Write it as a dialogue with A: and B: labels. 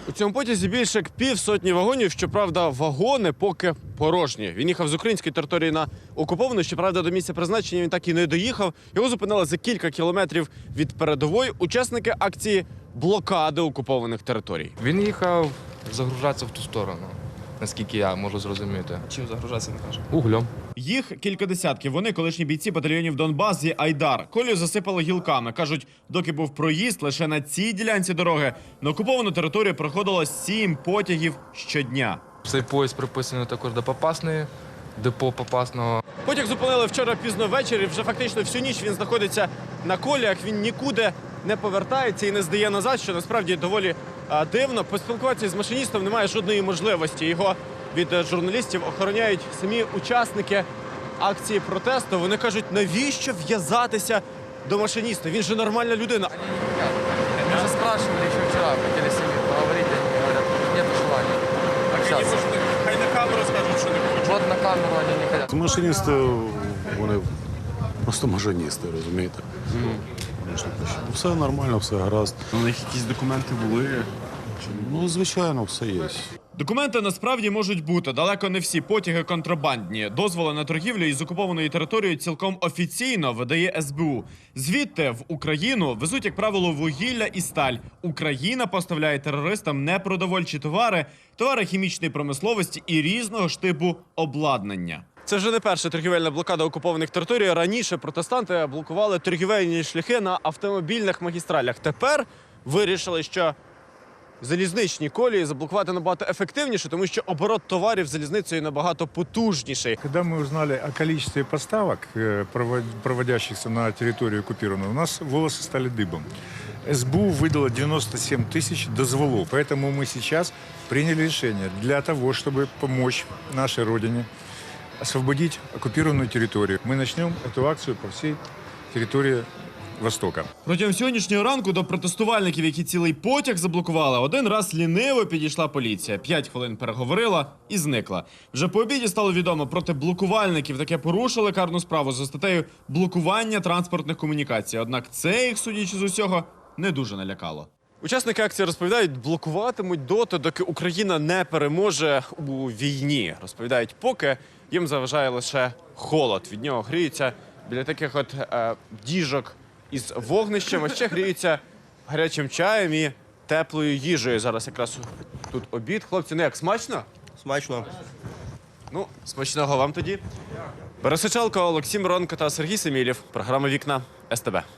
A: У цьому потязі більше як півсотні вагонів, щоправда, вагони поки порожні. Він їхав з української території на окуповану, щоправда, до місця призначення він так і не доїхав. Його зупинили за кілька кілометрів від передової учасники акції блокади окупованих територій.
B: Він їхав загружатися в ту сторону, наскільки я можу зрозуміти.
C: Чим загружатися, не каже?
B: Углем.
A: Їх кілька десятків. Вони колишні бійці батальйонів Донбас зі Айдар. Колію засипали гілками. Кажуть, доки був проїзд, лише на цій ділянці дороги на окуповану територію проходило 7 потягів щодня.
B: Цей поїзд приписаний також до Попасної, депо Попасного.
A: Потяг зупинили вчора пізно ввечері. Вже фактично всю ніч він знаходиться на коліях. Він нікуди не повертається і не здає назад, що насправді доволі дивно. Поспілкуватися з машиністом немає жодної можливості. Його від журналістів охороняють самі учасники акції протесту. Вони кажуть, навіщо в'язатися до машиніста? Він же нормальна людина.
B: Мы же спрашивали еще вчера, хотели с ними поговорить, они говорят, нет желания общаться.
A: Хай на камеру скажуть, що не хочуть.
B: Вот на камеру они не хотят.
D: Машиністи, вони просто машиністи, розумієте? Все нормально, все гаразд.
E: У них якісь документи були.
D: Ну, звичайно, все є.
A: Документи насправді можуть бути. Далеко не всі потяги контрабандні. Дозволи на торгівлю із окупованою територією цілком офіційно видає СБУ. Звідти в Україну везуть, як правило, вугілля і сталь. Україна поставляє терористам непродовольчі товари, товари хімічної промисловості і різного ж типу обладнання. Це вже не перша торгівельна блокада окупованих територій. Раніше протестанти блокували торгівельні шляхи на автомобільних магістралях. Тепер вирішили, що залізничні колії заблокувати набагато ефективніше, тому що оборот товарів залізницею набагато потужніший.
F: Когда мы узнали о количестве поставок, проводящихся на территорию оккупированную, у нас волосы стали дыбом. СБУ выдало 97 тысяч дозволов, поэтому мы сейчас приняли решение для того, чтобы помочь нашей Родине освободить оккупированную территорию. Мы начнем эту акцию по всей территории Востока.
A: Протягом сьогоднішнього ранку до протестувальників, які цілий потяг заблокували, один раз ліниво підійшла поліція. 5 хвилин переговорила і зникла. Вже по обіді стало відомо, проти блокувальників таке порушили карну справу за статтею блокування транспортних комунікацій. Однак це їх, судячи з усього, не дуже налякало. Учасники акції розповідають, блокуватимуть доти, доки Україна не переможе у війні. Розповідають, поки їм заважає лише холод. Від нього гріються біля таких от діжок із вогнищем, а ще гріються гарячим чаєм і теплою їжею. Зараз якраз тут обід. Хлопці, ну як, смачно?
C: Смачно.
A: Ну, смачного вам тоді. Борис Сичалко, Олексій Миронко та Сергій Семілєв. Програма «Вікна» СТБ.